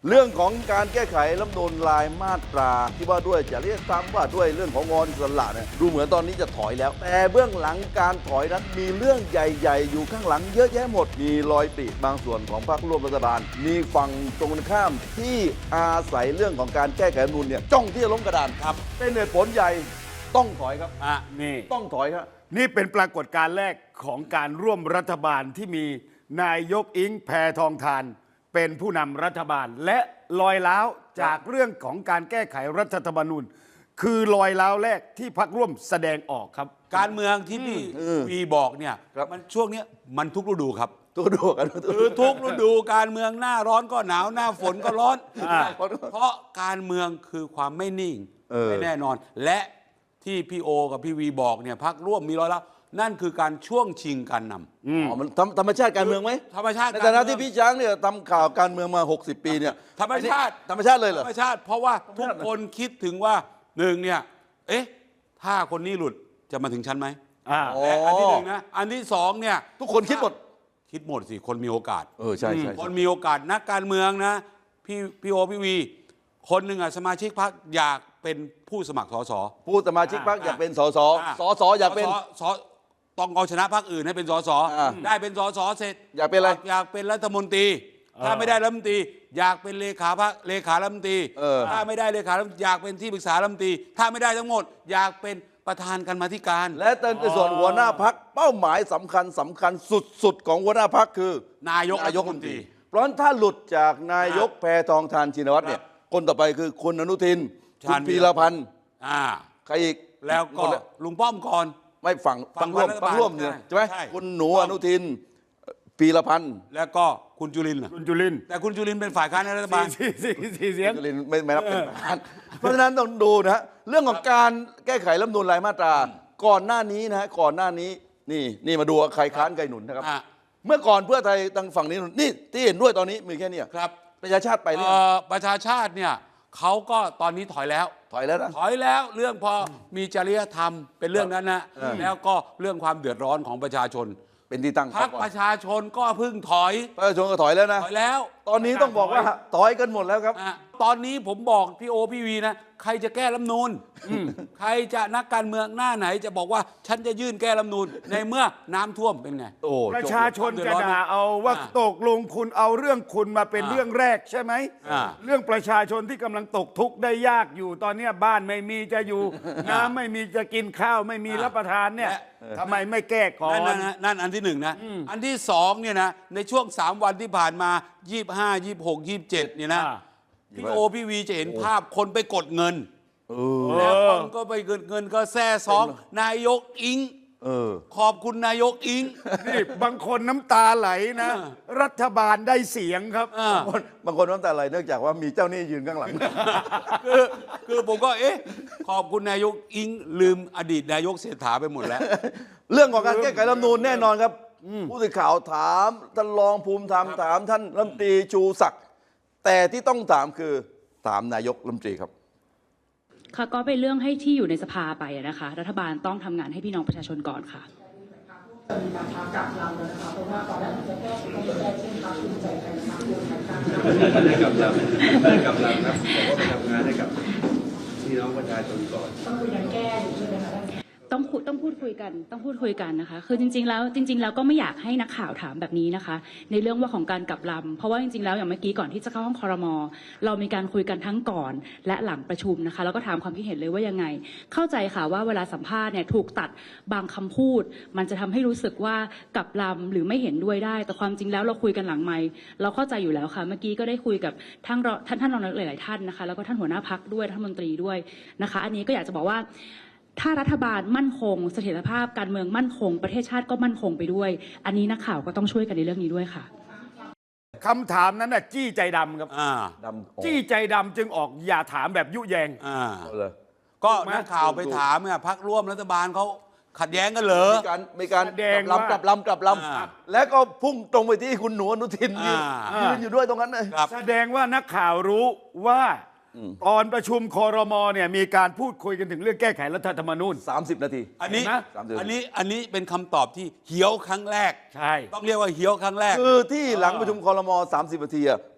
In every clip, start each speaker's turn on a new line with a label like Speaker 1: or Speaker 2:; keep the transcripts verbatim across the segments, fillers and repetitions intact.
Speaker 1: เรื่องของการแก้ไขรัฐธรรมนูญรายมาตราที่ว่าด้วยจริยธรรมว่าด้วยเรื่องของงอนอิสระเนี่ยดูเหมือนตอนนี้จะถอยแล้ว แต่เบื้องหลังการถอยนั้นมีเรื่องใหญ่ๆอยู่ข้างหลังเยอะแยะหมดมีรอยปริบางส่วนของพรรคร่วมรัฐบาลมีฝั่งตรงข้ามที่อาศัยเรื่องของการแก้ไขรัฐธรรมนูญเนี่ยจ้องที่จะล้มกระดานครับเป็นเหตุผลใหญ่ต้องถอยครับ
Speaker 2: อ่ะนี่
Speaker 1: ต้องถอยครับ
Speaker 2: นี่เป็นปรากฏการณ์แรกของการร่วมรัฐบาลที่มีนายกอิงแพทองธารเป็นผู้นำรัฐบาล และลอยล้าวจากเรื่องของการแก้ไขรัฐธรรมนูญ คือลอยล้าวแรกที่พรรคร่วมแสดงออกครับ
Speaker 3: การเมืองที่พี่วีบอกเนี่ย
Speaker 1: ครับ
Speaker 3: มันช่วงเนี้ยมันทุกฤดูครับ
Speaker 1: ตัวดูกัน
Speaker 3: คือทุกฤดูการเมืองหน้าร้อนก็หนาวหน้าฝนก็ร้อน
Speaker 2: อ่า
Speaker 3: เพราะการเมืองคือความไม่นิ่ง
Speaker 1: เออ
Speaker 3: ไม่แน่นอน และที่พี่โอกับพี่วีบอกเนี่ยพักร่วมมีร้อยแล้วนั่นคือการช่วงชิงการนำ
Speaker 1: อ๋อมันธรรมธรรมชาติการเมืองไหม
Speaker 3: ธรรมชาติ
Speaker 1: ในฐานะ
Speaker 3: การเมือง
Speaker 1: ที่พี่ช้างเนี่ยทำข่าวการเมืองมา หกสิบ ปีเนี่ย
Speaker 3: ธรรมชาติ
Speaker 1: ธรรมชาติเลยเหร
Speaker 3: ธ
Speaker 1: อ
Speaker 3: รรมชาติ เพราะว่าทุกคนคิดถึงว่าหนึ่งเนี่ยเอ๊ะถ้าคนนี้หลุดจะมาถึงฉันไหม
Speaker 2: อ่า
Speaker 1: อ๋อ
Speaker 3: และอันที่หนึ่งนะอันที่สองเนี่ย
Speaker 1: ทุกคนคิดหมด
Speaker 3: คิดหมดสิคนมีโอกาส
Speaker 1: เออใช่ใช่
Speaker 3: คน
Speaker 1: ใช่
Speaker 3: มีโอกาสนักการเมืองนะพี่พี่โอพี่วี คนหนึ่งอ่ะสมาชิกพรรคอยากเป็นผู้สมัครสส
Speaker 1: ผู้สมาชิกพรรคอยากเป็นสสสสอยากเป็น
Speaker 3: สสต้องเอาชนะพรรคอื่นให้เป็นสส
Speaker 1: อ่า
Speaker 3: ได้เป็นสสเสร็จ
Speaker 1: อยากเป็นอะไร
Speaker 3: อยากเป็นรัฐมนตรี ถ้าไม่ได้รัฐมนตรีอยากเป็นเลขาพรรคเลขารัฐมนตรี
Speaker 1: เออ
Speaker 3: ถ้าไม่ได้เลขารัฐมนตรีอยากเป็นที่ปรึกษารัฐมนตรีถ้าไม่ได้ทั้งหมด อยากเป็นประธานกรรมาธิการ
Speaker 1: และในส่วนหัวหน้าพักเป้าหมายสำคัญสำคัญสุดๆของหัวหน้าพักคือน
Speaker 3: ายก
Speaker 1: นายก
Speaker 3: รัฐ
Speaker 1: รัฐ
Speaker 3: ม
Speaker 1: ม
Speaker 3: น
Speaker 1: น
Speaker 3: ต
Speaker 1: ต
Speaker 3: รี
Speaker 1: รี เพราะฉะนั้นถ้าหลุดจากนายกแพทองธารชินวัตรเนี่ยคนต่อไปคือคุณอนุทินคุ
Speaker 3: ชา
Speaker 1: ณ
Speaker 3: ญ
Speaker 1: พีรพันธ์
Speaker 3: อ่า
Speaker 1: ใครอีก
Speaker 3: แล้วก็
Speaker 1: คนละ
Speaker 3: ลุงป้อมก่อน
Speaker 1: ไม่ฝั่ง
Speaker 3: ฝั่
Speaker 1: ฝั่
Speaker 3: ง
Speaker 1: งร่วม
Speaker 3: รัฐบาล
Speaker 1: ฝั่งร่วมเนี่ย
Speaker 3: ใช่
Speaker 1: ใช่ไหม
Speaker 3: ใช่
Speaker 1: คุณหนูอนุทินพีรพันธ์
Speaker 3: แล้วก็คุณจุลินทร์น่ะ
Speaker 2: คุณจุลินทร์
Speaker 3: แต่คุณจุลินทร์เป็นฝ่ายค้านในรัฐบาล
Speaker 2: สี่สี่สี่เสียง
Speaker 1: จุลินไม่ไม่รับเป็นประธานเพราะฉะนั้นต้องดูนะฮะเรื่องของการแก้ไขรัฐธรรมนูญรายมาตรา ก่อนหน้านี้นะฮะก่อนหน้านี้นี่นี่มาดูว่าใครค้านใครหนุนนะครับ
Speaker 3: อ่ะ
Speaker 1: เมื่อก่อนเพื่อไทยทางฝั่งนี้หนุนนี่ที่เห็นด้วยตอนนี้มีแค่เนี้ย
Speaker 3: ครับ
Speaker 1: ประชาชาติไปเรื่อ
Speaker 3: เอ่
Speaker 1: ย
Speaker 3: อประชาชาติเนี่ยเขาก็ตอนนี้ถอยแล้ว
Speaker 1: ถอยแล้วนะ
Speaker 3: ถอยแล้วเรื่องพอมีจริยธรรมเป็นเรื่องนั้นนะ
Speaker 1: เออ
Speaker 3: แล้วก็เรื่องความเดือดร้อนของประชาชน
Speaker 1: เป็นที่ตั้ง
Speaker 3: พรรค
Speaker 1: ก่อ
Speaker 3: ป
Speaker 1: น
Speaker 3: ระชาชนก็เพึ่งถอย
Speaker 1: ประชาชนก็ถอยแล้วนะ
Speaker 3: ถอยแล้ว
Speaker 1: ตอนนี้ต้องบอกว่าถอยกันหมดแล้วครับ
Speaker 3: อ่ะตอนนี้ผมบอกพี่โอพี่วีนะใครจะแก้รัฐธรรมนูนใครจะนักการเมืองหน้าไหนจะบอกว่าฉันจะยื่นแก้รัฐธรรมนูนในเมื่อน้ำท่วมเป็นไง
Speaker 1: โอ้
Speaker 2: ประ
Speaker 1: จบ
Speaker 2: ชาชนจะด่าเอาว่า
Speaker 3: อ่า
Speaker 2: ตกลงคุณเอาเรื่องคุณมาเป็น
Speaker 3: อ่า
Speaker 2: เรื่องแรกใช่ไหม
Speaker 3: อ่า
Speaker 2: เรื่องประชาชนที่กำลังตกทุกข์ได้ยากอยู่ตอนเนี้ยบ้านไม่มีจะอยู่ น้ำไม่มีจะกินข้าวไม่มีรับประทานเนี่ยทำไมไม่แก้ก่อ
Speaker 3: นั่น
Speaker 2: น
Speaker 3: นะนั่นอันที่หนึ่งนะ อันที่สองเนี่ยนะในช่วงสามวันที่ผ่านมายี่สิบห้า ยี่สิบหก ยี่สิบเจ็ดเนี่ยนะ
Speaker 2: อ่า
Speaker 3: พี่โอพี่วีจะเห็นภาพคนไปกดเงิน
Speaker 1: เออ
Speaker 3: แล้วคนก็ไปเงินเงินก็แซ่ซองนายกอิง
Speaker 1: เออ
Speaker 3: ขอบคุณนายกอิง
Speaker 2: นี่บางคนน้ำตาไหลนะ
Speaker 3: อ่า
Speaker 2: รัฐบาลได้เสียงครับ
Speaker 3: อ่า
Speaker 1: บางคนบางคนน้ำตาไหลเนื่องจากว่ามีเจ้าหนี้ยืนข้างหลัง
Speaker 3: คือคือผมก็เอ๊ะขอบคุณนายกอิงลืมอดีตนายกเศรษฐาไปหมดแล้ว
Speaker 1: เรื่องของการแก้ไขรัฐธรรมนูญแน่นอนครับ ผู้สื่อข่าวถามท่านรองภูมิธรรมถามท่านรัฐมนตรีชูศักดิ์แต่ที่ต้องถามคือถามนายกรัฐมนตรีครับ
Speaker 4: ค่ะก็เป็นเรื่องให้ที่อยู่ในสภาไปอะนะคะ รัฐบาลต้องทำงานให้พี่น้องประชาชนก่อนค่ะ
Speaker 5: จะมีการพากลับลำแล้วนะคะเพราะว่าตอนแรกมันจะแก้ไขไม่ได้เช่นพรรคภูมิใจไทยพรรครวมไทยสร้างชาติ
Speaker 6: ไม่ได้กำลังไม่ได้กำลังครับบอกว่าไปทำงานให้กับพี่น้องประชาชนก่อน
Speaker 5: ต้องคือยังแก้อยู่ใช่ไหมคะท่าน
Speaker 4: ต้องคุยต้องพูดคุยกันต้องพูดคุยกันนะคะ คือจริงๆแล้วจริง ๆ แล้วก็ไม่อยากให้นักข่าวถามแบบนี้นะคะ ในเรื่องว่าของการกลับลำเพราะว่าจริงๆแล้วอย่างเมื่อกี้ก่อนที่จะเข้าห้องครม.เรามีการคุยกันทั้งก่อนและหลังประชุมนะคะแล้วก็ถามความคิดเห็นเลยว่ายังไง เข้าใจค่ะว่าเวลาสัมภาษณ์เนี่ยถูกตัดบางคำพูด มันจะทำให้รู้สึกว่ากลับลำหรือไม่เห็นด้วยได้ แต่ความจริงแล้วเราคุยกันหลังไมค์เราเข้าใจอยู่แล้วค่ะ เมื่อกี้ก็ได้คุยกับท่านรท่านท่านรองนายกหลายๆท่านนะคะแล้วก็ท่านหัวหน้าพรรคด้วยรัฐมนตรีด้วยนะคะ อันนี้ก็อยากจะบอกว่า ถ้ารัฐบาลมั่นคงเสถียรภาพการเมืองมั่นคงประเทศชาติก็มั่นคงไปด้วย อันนี้นักข่าวก็ต้องช่วยกันในเรื่องนี้ด้วยค่ะ
Speaker 2: คำถามนั้นน่ะจี้ใจดำครับ
Speaker 3: อ่า
Speaker 1: ดำ
Speaker 2: จี้ใจดำจึงออกอย่าถามแบบยุแยง
Speaker 3: อ่า
Speaker 1: เอาเลย
Speaker 3: ก็
Speaker 2: ถูกไหม
Speaker 3: นักข่าวไปถามเนี่ยพักร่วมรัฐบาลเขาขัดแย้งกันเหรอ
Speaker 1: มีการมีการ
Speaker 2: แสดง
Speaker 1: กลับ
Speaker 2: ว่า
Speaker 1: ลำกลับลำกลับล
Speaker 3: อ่า
Speaker 1: ำแล้วก็พุ่งตรงไปที่คุณหนูอนุทินยืน
Speaker 3: อ่า
Speaker 1: ยืนอยู่ด้วยตรงนั้นเลย
Speaker 3: ครับ
Speaker 2: แสดงว่านักข่าวรู้ว่าตอนประชุมครมเนี่ยมีการพูดคุยกันถึงเรื่องแก้ไขรัฐธรรมนูญ
Speaker 1: สามสิบนาที
Speaker 3: อันนี้
Speaker 2: เห็นไหม
Speaker 1: สามเดือน
Speaker 3: อันนี้อันนี้เป็นคำตอบที่เหี่ยวครั้งแรก
Speaker 2: ใช่
Speaker 3: ต้องเรียกว่าเหี่ยวครั้งแรก
Speaker 1: คือที่หลังประชุมครมสามสิบนาทีอะ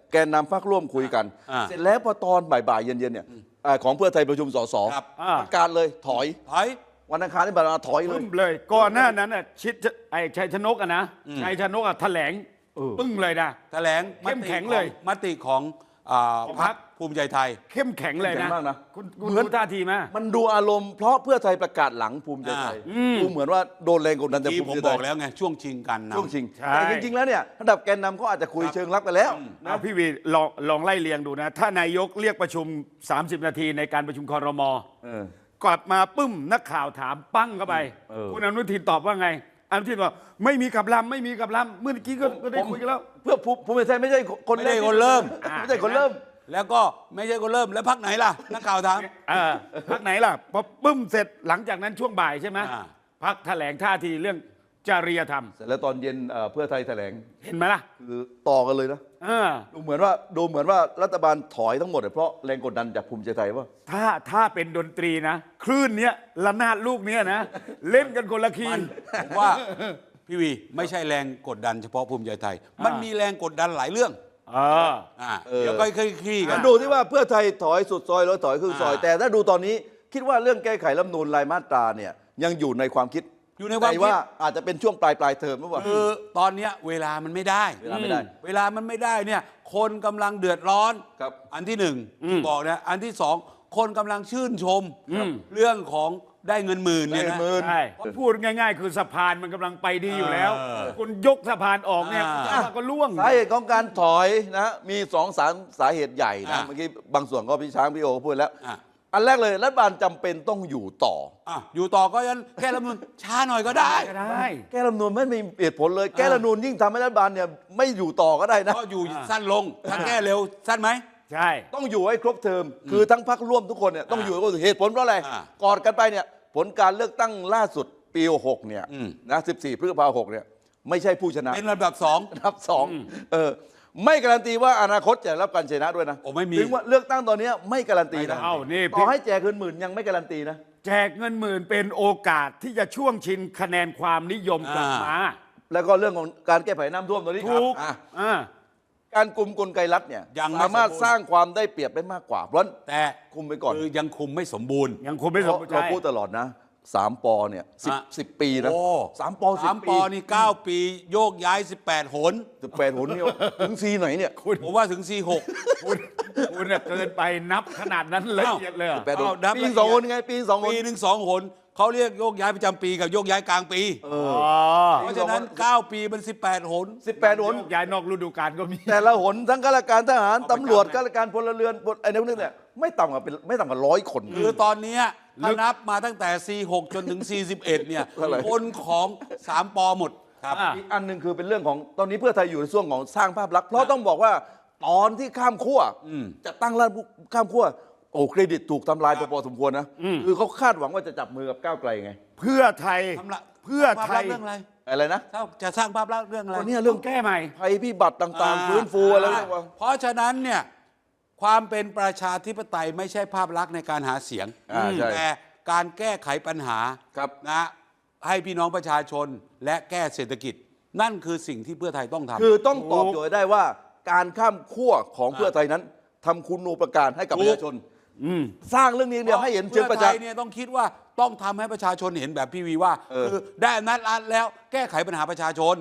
Speaker 1: แกนนำพรรคร่วมคุยกัน
Speaker 3: อ่า
Speaker 1: เสร็จแล้วพอตอนบ่ายๆเย็นๆเนี่ยอ่าของเพื่อไทยประชุมสส
Speaker 3: ครับ
Speaker 2: อ่า
Speaker 1: ประกาศเลยถอย
Speaker 3: ถอย
Speaker 1: วันอังคารที่ผ่านมาถอยเล
Speaker 2: ปึ้
Speaker 1: ย
Speaker 2: มเลยก่อนหน้านั้นน่ะชิดไอ้ชัยชนกอะนะชัยชนกอะแถลงปึ้งเลยนะ
Speaker 3: แถลง
Speaker 2: เข้มแข็งเลย
Speaker 3: มติของอ่า
Speaker 2: ของ
Speaker 3: พ
Speaker 2: พ
Speaker 3: ร
Speaker 2: ร
Speaker 3: ร
Speaker 2: ร
Speaker 3: ค
Speaker 2: ค
Speaker 3: ภูมิใจไทย
Speaker 2: เข้มแข็งเลย
Speaker 1: เข้มแข็
Speaker 2: นะ
Speaker 1: งมากนะ
Speaker 2: คุณคุณ
Speaker 1: เหมือน
Speaker 2: ดูท่าทีมา
Speaker 1: มันดูอารมณ์เพราะเพื่อไทยประกาศหลังภูมิใจไทย
Speaker 2: อ่า
Speaker 1: ดูเหมือนว่าโดนแรงกดดันจาก
Speaker 3: ที่
Speaker 1: ภู
Speaker 3: ผม
Speaker 1: มิใจ
Speaker 3: บ
Speaker 1: ไท
Speaker 3: อก
Speaker 1: ย
Speaker 3: แล้วไงช่วงชิงกันนำ
Speaker 1: ช่วงชิง
Speaker 2: ใช่
Speaker 1: แต่จริงๆแล้วเนี่ยระดับแกนนำเขาอาจจะคุยเชิงลับไปแล้ว
Speaker 2: เอาพี่วีลองลองไล่เรียงดูนะ ถ้านายกเรียกประชุม สามสิบ นาทีในการประชุมครม
Speaker 1: เออ
Speaker 2: กลับมาปึ้มนักข่าวถามปั้งเข้าไป
Speaker 1: เออ
Speaker 2: คุณอนุทินตอบว่าไงอนุทินบอกไม่มีกับลำไม่มีกับลำเมื่อกี้ก็ก็ได้คุยกันแล้ว
Speaker 1: เพื่อภูภูมิใจไทยไม่ใช่คน
Speaker 3: ไม่ได้
Speaker 1: แก
Speaker 3: คนเริ่ม
Speaker 1: ไม่ใช่คนเริ่ม
Speaker 3: แล้วก็ไม่ใช่คนเริ่มแล้วพักไหนล่ะ นักข่าวถาม
Speaker 2: เออพักไหนล่ะพอปึ้มเสร็จหลังจากนั้นช่วงบ่ายใช่ไหม
Speaker 3: อ่า
Speaker 2: พักแถลงท่าทีเรื่องจริยธรรม
Speaker 1: เสร็จแล้วตอนเย็นเอ่อเพื่อไทยแถลง
Speaker 2: เห็นไหมล่ะ
Speaker 1: คือต่อกันเลยนะ
Speaker 2: เออ
Speaker 1: ดูเหมือนว่าดูเหมือนว่ารัฐบาลถอยทั้งหมดเนี่ยเพราะแรงกดดันจากภูมิใจไทยว่า
Speaker 2: ถ้าถ้าเป็นดนตรีนะ คลื่นเนี้ยระนาดลูกเนี้ยนะ เล่นกันคนละคี
Speaker 3: มัน
Speaker 2: ย์
Speaker 3: ผมว่าพี่วีไม่ใช่แรงกดดันเฉพาะภูมิใจไทย มันมีแรงกดดันหลายเรื่อง
Speaker 2: เออ
Speaker 3: อ่า
Speaker 1: เออ
Speaker 3: เดี๋ยวก็ค่อยๆคลี่กั
Speaker 1: มัน นดูที่ว่าเพื่อไทยถอยสุดซอยแล้วถอยครึ่งซอย
Speaker 3: อ่า
Speaker 1: แต่ถ้าดูตอนนี้คิดว่าเรื่องแก้ไขรัฐธรรมนูลรายมาตราเนี่ยยังอยู่ในความคิด
Speaker 3: อยู่ในความคิด
Speaker 1: แต่ว่าอาจจะเป็นช่วงปลายปลายเทอมหรือเปล่า
Speaker 3: คือตอนเนี้ยเวลามันไม่ได้
Speaker 1: เวลาไม่ได้
Speaker 3: เวลามันไม่ได้เนี่ยคนกำลังเดือดร้อน
Speaker 1: ครับ
Speaker 3: อันที่หนึ่งที่บอกนะอันที่สองคนกำลังชื่นชม เรื่องของได้เงินหมื่นเนี่ย
Speaker 1: ได้
Speaker 3: นะ
Speaker 1: เงินหมื่น
Speaker 2: ใช่พูดง่ายๆ คือสะพานมันกำลังไปดีอยู่แล้ว
Speaker 3: เออ
Speaker 2: คุณยกสะพานออกเนี่ย
Speaker 3: อ่า
Speaker 2: ก็ล่วง
Speaker 1: สาเหตุของการถอยนะมีสองสามสาเหตุใหญ่นะ
Speaker 3: อ่า
Speaker 1: เมื่อกี้บางส่วนก็พี่ช้างพี่โอก็พูดแล้ว
Speaker 3: อ่ะ
Speaker 1: อันแรกเลยรัฐบาลจำเป็นต้องอยู่ต่อ
Speaker 3: อ่ะอยู่ต่อก็ยันแก้รัฐธรรมนูญช้าหน่อยก็ได้
Speaker 2: ก็ได้
Speaker 1: แก้รัฐธรรมนูลไม่มีเหตุผลเลย แก้รัฐธรรมนูลยิ่งทำให้รัฐบาลเนี่ยไม่อยู่ต่อก็ได้นะ
Speaker 3: ก็อยู่สั้นลง ถ้าแก้เร็วสั้นไหม
Speaker 2: ใช่
Speaker 1: ต้องอยู่ให้ครบเทอมคือทั้งพักร่วมทุกคนเนี่ยต้องอยู่ให้ครบเทอมเหตุผลเพราะอะไร
Speaker 3: อ่า
Speaker 1: กอดกันไปเนี่ยผลการเลือกตั้งล่าสุดปีหกเนี่ย
Speaker 3: อืม
Speaker 1: นะสิบสี่พฤษภาคมหกเนี่ยไม่ใช่ผู้ชนะ
Speaker 3: เป็นลำดับสอง
Speaker 1: อันดับสองเออไม่การันตีว่าอนาคตจะรับการชนะด้วยนะ
Speaker 3: โอ้ไม่มี
Speaker 1: ถึงว่าเลือกตั้งตอนเนี้ยไม่การันตีนะ
Speaker 2: เอ้านี่
Speaker 1: ต่อให้แจกเงินหมื่นยังไม่การันตีนะ
Speaker 2: แจกเงินหมื่นเป็นโอกาสที่จะช่วงชิงคะแนนความนิยมกลับมา
Speaker 1: แล้วก็เรื่องของการแก้ไขน้ำท่วมตัวนี้
Speaker 2: ถูก
Speaker 1: อ่ะ
Speaker 2: อ่า
Speaker 1: การกลุ่มกลไกรัฐเนี่ย
Speaker 3: ยังไม่
Speaker 1: สามารถ
Speaker 3: สมบูรณ์
Speaker 1: สร้างความได้เปรียบได้มากกว่า เพราะฉะนั้น
Speaker 3: แต่
Speaker 1: คุมไปก่อน
Speaker 3: คือยังคุมไม่สมบูรณ์
Speaker 2: ยังคงไม่สมบูรณ์
Speaker 1: เรา
Speaker 2: ใจ
Speaker 1: พูดตลอดนะสามปอเนี่ยสิบ
Speaker 3: อ่ะ
Speaker 1: สิบปีนะ
Speaker 3: โอ้
Speaker 1: สามปอสิ
Speaker 3: สา
Speaker 1: บ
Speaker 3: ม
Speaker 1: ปี
Speaker 3: ปอนี่เก้าปีโยกย้ายสิบแปดหน
Speaker 1: สิบแปดหนเนี่ยถึงซีไหนเนี่ย
Speaker 3: ผมว่าถึงสี่หก
Speaker 2: คุณคุณน่ะเกินไปนับขนาดนั้นละเอียดเลยเหรอ
Speaker 1: แปดหน
Speaker 3: เอานับ
Speaker 1: ปี
Speaker 3: ละเอียด
Speaker 1: สองหนไงปีสองหน
Speaker 3: ปีหนึ่งสองหนเขาเรียกโยกย้ายประจำปีกับโยกย้ายกลางปี
Speaker 1: เอ
Speaker 2: อ๋
Speaker 1: อ
Speaker 2: อ
Speaker 3: เพราะฉะนั้นเก้าปีมันสิบแปดหน
Speaker 1: สิบแปดหน
Speaker 2: ย้ายนอกฤดูกาลก็มี
Speaker 1: แต่ละหนทั้งข้าราชการทหาร
Speaker 3: เอาประจำ
Speaker 1: ตำรวจ
Speaker 3: นะ
Speaker 1: ข้าราชการพลเรือนพลไอ้นี่พวกนี้เนี่ยไม่ต่ำกว่าเป็นไม่ต่ำกว่าร้อยคน
Speaker 3: คือตอนเนี้ยถ้านับมาตั้งแต่สี่หกจนถึงสี่สิบเอ็ดเนี่ย
Speaker 1: เท่าไหร่
Speaker 3: คนของสามปอหมดครับ
Speaker 2: อ่ะ
Speaker 1: อีกอันหนึ่งคือเป็นเรื่องของตอนนี้เพื่อไทยอยู่ในช่วงของสร้างภาพลักษณ์เพราะต้องบอกว่าตอนที่ข้ามขั้ว
Speaker 3: อืม
Speaker 1: จะตั้งรัฐข้ามขั้วโอ้เครดิตถูกทำลายพอสมควรนะคือเขาคาดหวังว่าจะจับมือกับก้าวไกลไง
Speaker 2: เพื่อไทย
Speaker 3: ทำละ
Speaker 2: เพื่อ
Speaker 3: ภาพ
Speaker 2: ไท
Speaker 3: ลัก
Speaker 2: ย
Speaker 3: ษณ์เรื่องอะไร
Speaker 1: อะไรนะ
Speaker 3: ถ้าจะสร้างภาพลักษณ์เรื่องอะไร
Speaker 1: ก็เนี่ยเรื่อง
Speaker 2: แก้ใหม่
Speaker 1: ภัยพิบัติต่างๆ ฟื้นฟูอะไรเรียกว่า
Speaker 3: เพราะฉะนั้นเนี่ยความเป็นประชาธิปไตยไม่ใช่ภาพลักษณ์ในการหาเสียง
Speaker 1: อ่าใช่
Speaker 3: แต่การแก้ไขปัญหา
Speaker 1: ครับ
Speaker 3: นะให้พี่น้องประชาชนและแก้เศรษฐกิจ นั่นคือสิ่งที่เพื่อไทยต้องทำ
Speaker 1: คือต้องตอบโจทย์ได้ว่าการข้ามขั้วของเพื่อไทยนั้นทำคุณูปการให้กับประชาชนสร้างเรื่องนี้เดียวให้เห็นเชิงประ
Speaker 3: เพื่
Speaker 1: จั
Speaker 3: อก ไท
Speaker 1: ษ์
Speaker 3: ยเนี่ยต้องคิดว่าต้องทำให้ประชาชนเห็นแบบพี่วีว่า
Speaker 1: เออ
Speaker 3: คือได้อำนาจรัฐแล้วแก้ไขปัญหาประชาชน